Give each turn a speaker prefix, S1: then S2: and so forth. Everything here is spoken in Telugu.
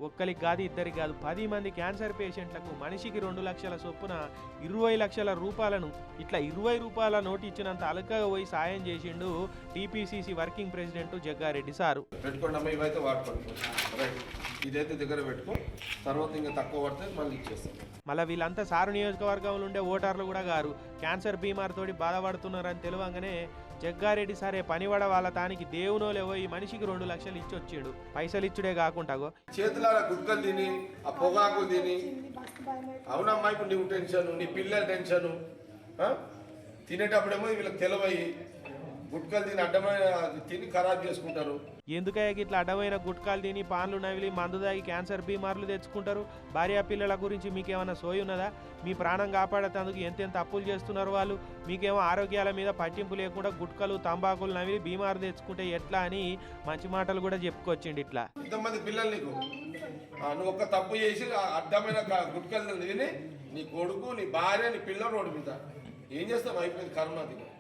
S1: ఒక్కరికి కాదు ఇద్దరికి కాదు 10 మంది క్యాన్సర్ పేషెంట్లకు మనిషికి 2 లక్షల చొప్పున 20 లక్షల రూపాయలను ఇట్లా 20 రూపాయల నోటు ఇచ్చినంత అలకగా పోయి సాయం చేసిండు TPCC working president Jaggareddy sir.
S2: పెట్టుకోండి ఇవైతే వాడుకోండి, ఇదైతే దగ్గర పెట్టుకో, తర్వాత ఇంకా తక్కువ పడితే మళ్ళీ ఇచ్చేస్తాం.
S1: మళ్ళీ వీళ్ళంతా సారు నియోజకవర్గంలో ఉండే ఓటర్లు కూడా గారు క్యాన్సర్ బీమార్తోటి బాధపడుతున్నారని తెలియంగానే జగ్గారెడ్డి సరే పనివడ వాళ్ళ తానికి దేవునో లేవో ఈ మనిషికి 2 లక్షలు ఇచ్చి వచ్చాడు. పైసలు ఇచ్చుడే కాకుండా
S2: చేతుల గుడ్కలు తిని ఆ పొగాకు తిని, అవునమ్మా ఇప్పుడు నీకు టెన్షన్, నీ పిల్లల టెన్షను, తినేటప్పుడేమో వీళ్ళకి తెలవయి గుట్కలు తిని అడ్డమైన తిని ఖరాబ్ చేసుకుంటారు.
S1: ఎందుకయ్యా ఇట్లా అడ్డమైన గుట్కాలు తిని పాన్లు నవిలి మందు దాగి క్యాన్సర్ బీమార్లు తెచ్చుకుంటారు? భార్యా పిల్లల గురించి మీకేమైనా సోయి ఉన్నదా? మీ ప్రాణం కాపాడేందుకు ఎంతెంత అప్పులు చేస్తున్నారు వాళ్ళు. మీకేమో ఆరోగ్యాల మీద పట్టింపు లేకుండా గుట్కలు తంబాకులు నవిలి బీమారు తెచ్చుకుంటే ఎట్లా అని మంచి మాటలు కూడా చెప్పుకొచ్చిండు. ఇట్లా
S2: ఇంతమంది పిల్లలు నీకు నువ్వు ఒక్క తప్పు చేసి అడ్డమైన గుట్కలు తిని నీ కొడుకు, నీ భార్య, నీ పిల్లలు రోడ్డు మీద ఏం చేస్తావు? అయిపోయింది కర్మ.